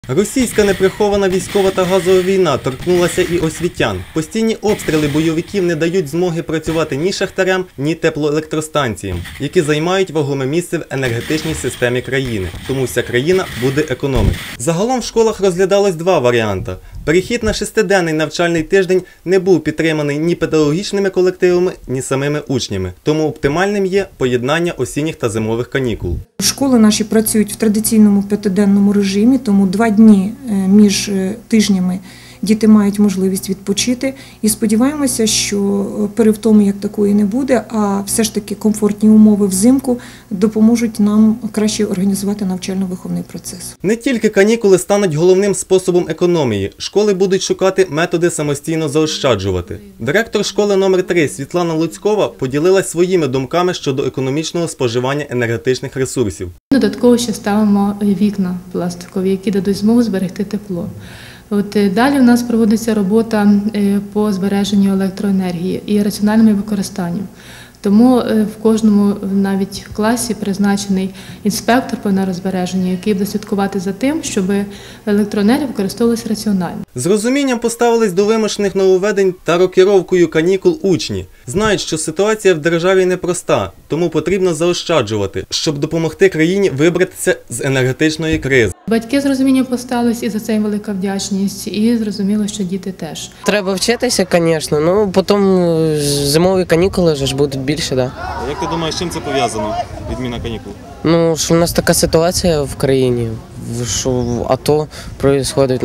Російська неприхована військова та газова війна торкнулася і освітян. Постійні обстріли бойовиків не дають змоги працювати ні шахтарям, ні теплоелектростанціям, які займають вагоме місце в енергетичній системі країни. Тому вся країна буде економити. Загалом в школах розглядалось два варіанти. Перехід на 6-денний навчальний тиждень не був підтриманий ні педагогічними колективами, ні самими учнями. Тому оптимальним є поєднання осінніх та зимових канікул. Школи наші працюють в традиційному 5-денному режимі, тому 2 дні між тижнями діти мають можливість відпочити. І сподіваємося, що перевтоми як такої не буде, а все ж таки комфортні умови взимку допоможуть нам краще організувати навчально-виховний процес. Не тільки канікули стануть головним способом економії. Школи будуть шукати методи самостійно заощаджувати. Директор школи номер 3 Світлана Луцькова поділилась своїми думками щодо економічного споживання енергетичних ресурсів. Додатково ще ставимо вікна пластикові, які дадуть змогу зберегти тепло. Далі у нас проводиться робота по збереженню електроенергії і раціональному використанню. Тому в кожному навіть класі призначений інспектор по енергозбереженню, який буде слідкувати за тим, щоб електроенергія використовувалася раціонально. З розумінням поставились до вимушених нововведень та рокіровкою канікул учні. Знають, що ситуація в державі непроста, тому потрібно заощаджувати, щоб допомогти країні вибратися з енергетичної кризи. Батьки з розумінням поставились, і за це їм велика вдячність, і зрозуміло, що діти теж. Треба вчитися, звісно, потім зимові канікули ж будуть більше, так. Як ти думаєш, з чим це пов'язано, відміна канікул? Що в нас така ситуація в країні, що АТО відбувається,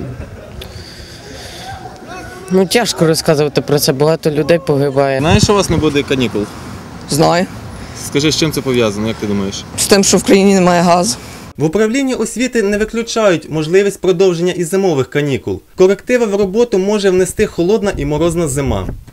тяжко розказувати про це, багато людей погибає. Знаєш, що у вас не буде канікул? Знаю. Скажи, з чим це пов'язано, як ти думаєш? З тим, що в країні немає газу. В управлінні освіти не виключають можливість продовження і зимових канікул. Корективи в роботу може внести холодна і морозна зима.